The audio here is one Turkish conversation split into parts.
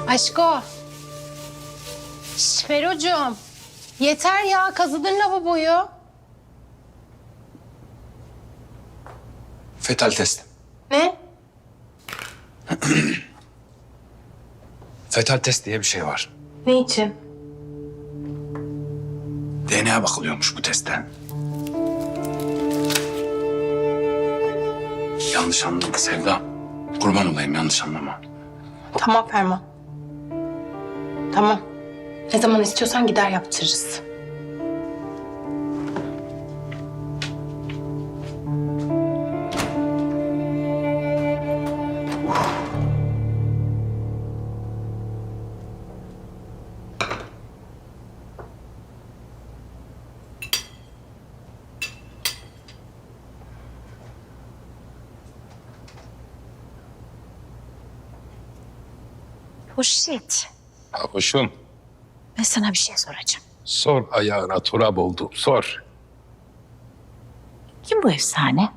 Aşko. Ferocuğum. Yeter ya, kazıdın lavaboyu. Fetal test. Ne? Fetal test diye bir şey var. Ne için? DNA bakılıyormuş bu testten. Yanlış anlama Sevda. Kurban olayım, yanlış anlama. Tamam Ferman. Tamam. Ne zaman istiyorsan gider yaptırırız. Hurşit, Hoşum, ben sana bir şey soracağım. sor ayağına turab oldu, sor. Kim bu efsane?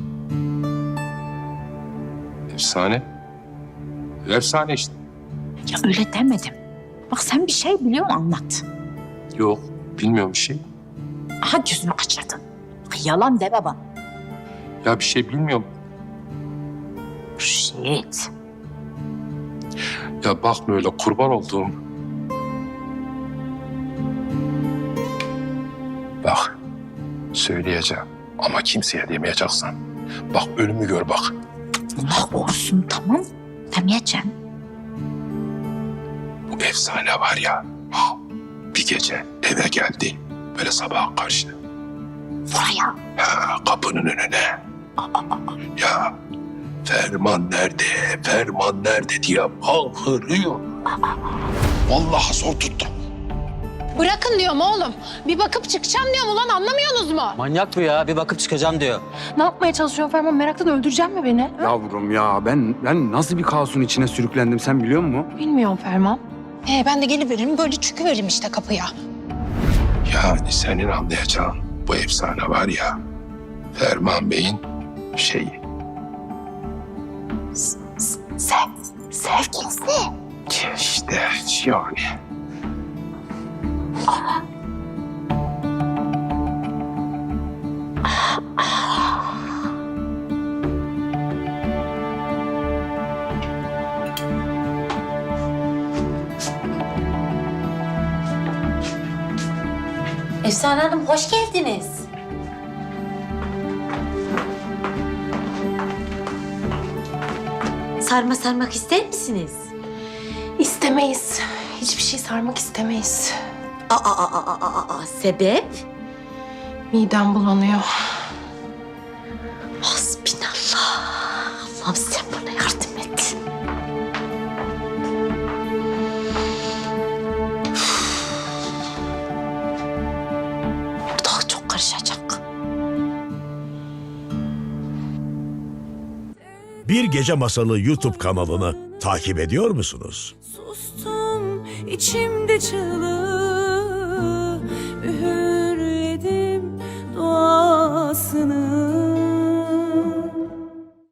Efsane. Efsane işte. Ya öyle demedim. Bak sen bir şey biliyorsun, anlat. Yok, bilmiyorum bir şey. Aha gözümü kaçırdın. Yalan deme bana. Ya bir şey bilmiyorum. Hurşit. Ya bakma öyle kurban olduğum. Bak, söyleyeceğim ama kimseye demeyeceksin. Bak ölümü gör bak. Allah korusun, tamam. Demeyeceğim. Bu efsane var ya, bir gece eve geldi. Böyle sabaha karşı. Buraya. Ha, kapının önüne. Ya Ferman nerede, Ferman nerede diye bağırıyor. Vallahi zor tuttum. Bırakın diyorum oğlum. Bir bakıp çıkacağım diyorum ulan, anlamıyorsunuz mu? Manyak bu ya. Bir bakıp çıkacağım diyor. Ne yapmaya çalışıyorsun Ferman? Meraktan öldürecek mi beni? Yavrum ya ben nasıl bir kaosun içine sürüklendim sen biliyor musun? Bilmiyorum Ferman. Ben de geliveririm, böyle çıkıveririm işte kapıya. Yani senin anlayacağın bu efsane var ya, Ferman Bey'in şeyi. Sevgilisi. İşte yani. Efsane Hanım hoş geldiniz. Sarma sarmak ister misiniz? İstemeyiz. Hiçbir şey sarmak istemeyiz. Sebep? Midem bulanıyor. Hasbinallah. Allah'ım sen bana yardım et. Ortalık çok karışacak. Bir Gece Masalı YouTube kanalını takip ediyor musunuz? Sustum içimde çığlığı, üğürledim duasını.